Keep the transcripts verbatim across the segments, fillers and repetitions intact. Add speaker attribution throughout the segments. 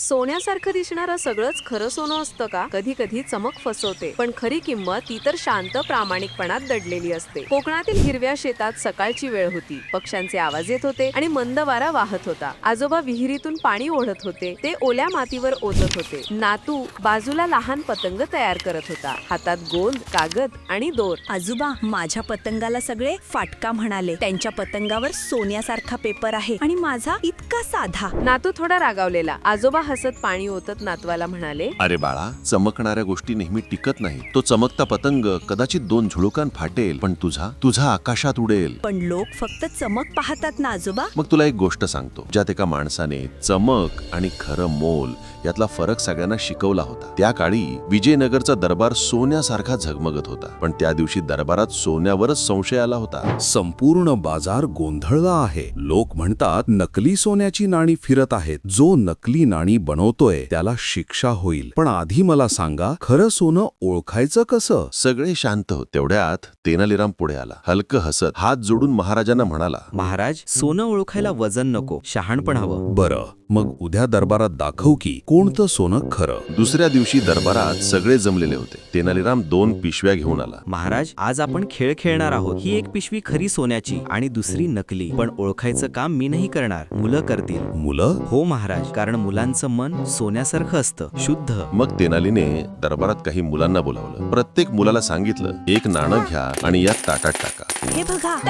Speaker 1: सोन्यासारखं दिसणारं सगळंच खरं सोनं असतं का? कधी कधी चमक फसवते, पण खरी किंमत ती तर शांत प्रामाणिकपणात दडलेली असते. कोकणातील हिरव्या शेतात सकाळची वेळ होती. पक्ष्यांचे आवाज येत होते आणि मंद वारा वाहत होता. आजोबा विहिरीतून पाणी ओढत होते. ते ओल्या मातीवर ओतत होते. नातू बाजूला लहान पतंग तयार करत होता. हातात गोंद, कागद आणि दोर.
Speaker 2: आजोबा, माझ्या पतंगाला सगळे फाटका म्हणाले. त्यांच्या पतंगावर सोन्यासारखा पेपर आहे आणि माझा इतका साधा.
Speaker 1: नातू थोडा रागावलेला. आजोबा हसत पाणी ओतत नातवाला म्हणाले,
Speaker 3: अरे बाळा, चमकणाऱ्या गोष्टी नेहमी टिकत नाही. तो चमकता पतंग कदाचित दोन झुळुकान फाटेल, पण तुझा तुझा आकाशात उडेल.
Speaker 2: पण लोक फक्त चमक पाहतात ना आजोबा.
Speaker 3: मग तुला एक गोष्ट सांगतो, ज्यात एका माणसाने चमक आणि खरं मोल यातला फरक सगळ्यांना शिकवला होता. त्या काळी विजयनगरचा दरबार सोन्यासारखा झगमगत होता, पण त्या दिवशी दरबारात सोन्यावरच संशय आला होता.
Speaker 4: संपूर्ण बाजार गोंधळला आहे. लोक म्हणतात नकली सोन्याची नाणी फिरत आहेत. जो नकली नाणी बनवतोय त्याला शिक्षा होईल. पण आधी मला सांगा, खरं सोनं ओळखायचं कसं?
Speaker 3: सगळे शांत होते. तेवढ्यात तेनालीराम पुढे आला. हलकं हसत हात जोडून महाराजांना म्हणाला,
Speaker 5: महाराज, सोनं ओळखायला वजन नको, शहाणपण हवं.
Speaker 4: बरं, मग उद्या दरबारात दाखव की कोणतं सोनं खरं.
Speaker 3: दुसऱ्या दिवशी दरबारात सगळे जमलेले होते. तेनालीराम दोन पिशव्या घेऊन आला.
Speaker 5: महाराज, आज आपण खेळ खेळणार आहोत. ही एक पिशवी खरी सोन्याची आणि दुसरी नकली. पण ओळखायचं काम मी नाही करणार, मुलं करतील.
Speaker 4: मुलं?
Speaker 5: हो महाराज, कारण मुलांचं मन सोन्यासारखं असतं, शुद्ध.
Speaker 3: मग तेनालीने दरबारात काही मुलांना बोलावलं. प्रत्येक मुलाला सांगितलं, एक नाणं घ्या आणि या ताटात टाका.
Speaker 2: हे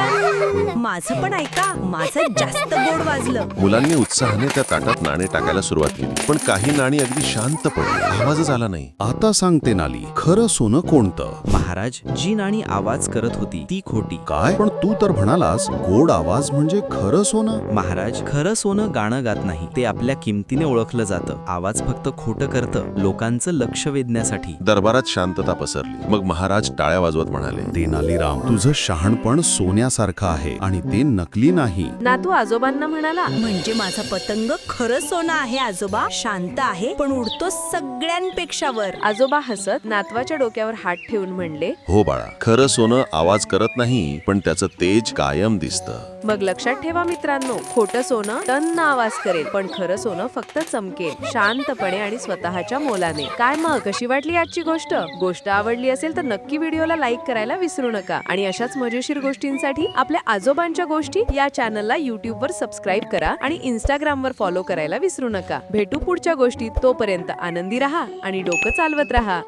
Speaker 2: बघा, माझं पण ऐका. माझं जास्त गोड वाजलं.
Speaker 3: मुलांनी उत्साहाने त्या ताटात नाणे टाकायला सुरुवात केली, पण काही नाणी अगदी शांत पडली. आवाजच आला नाही.
Speaker 4: आता सांगते नाली, खरं सोनं कोणतं?
Speaker 5: महाराज, जी नाणी आवाज करत होती ती खोटी.
Speaker 4: काय? पण तू तर म्हणालास गोड आवाज म्हणजे खरं सोनं.
Speaker 5: महाराज, खरं सोनं गाणं गात नाही. ते आपल्या किमतीने ओळखलं जातं. आवाज फक्त खोटं करतं, लोकांचं लक्ष वेधण्यासाठी.
Speaker 3: दरबारात शांतता पसरली. मग महाराज टाळ्या वाजवत म्हणाले,
Speaker 4: तेनालीराम, तुझं शहाणपण सोन्यासारखं आहे आणि ते नकली नाही.
Speaker 1: नातू आजोबांना म्हणाला,
Speaker 2: म्हणजे माझा पतंग खरं सोनं आहे आजोबा. शांत आहे पण उडतो सगळ्यांपेक्षा वर.
Speaker 1: आजोबा हसत नातवाच्या डोक्यावर हात ठेवून म्हणले,
Speaker 3: हो बाळा, खरं सोनं आवाज करत नाही, पण त्याचं तेज कायम दिसतं.
Speaker 1: मग लक्षात ठेवा मित्रांनो, खोटं सोनं टन्न आवाज करेल, पण खरं सोनं फक्त चमकेल, शांतपणे आणि स्वतःच्या मोलाने. काय मग, कशी वाटली आजची गोष्ट? गोष्ट आवडली असेल तर नक्की व्हिडिओला लाईक करायला विसरू नका. आणि अशाच मजेशीर गोष्टींसाठी आपल्या आजोबांच्या गोष्टी या चॅनलला युट्यूब वर सबस्क्राईब करा आणि इंस्टाग्राम वर फॉलो करायला विसरू नका. भेटू पुढच्या गोष्टीत. तोपर्यंत आनंदी राहा आणि डोकं चालवत राहा.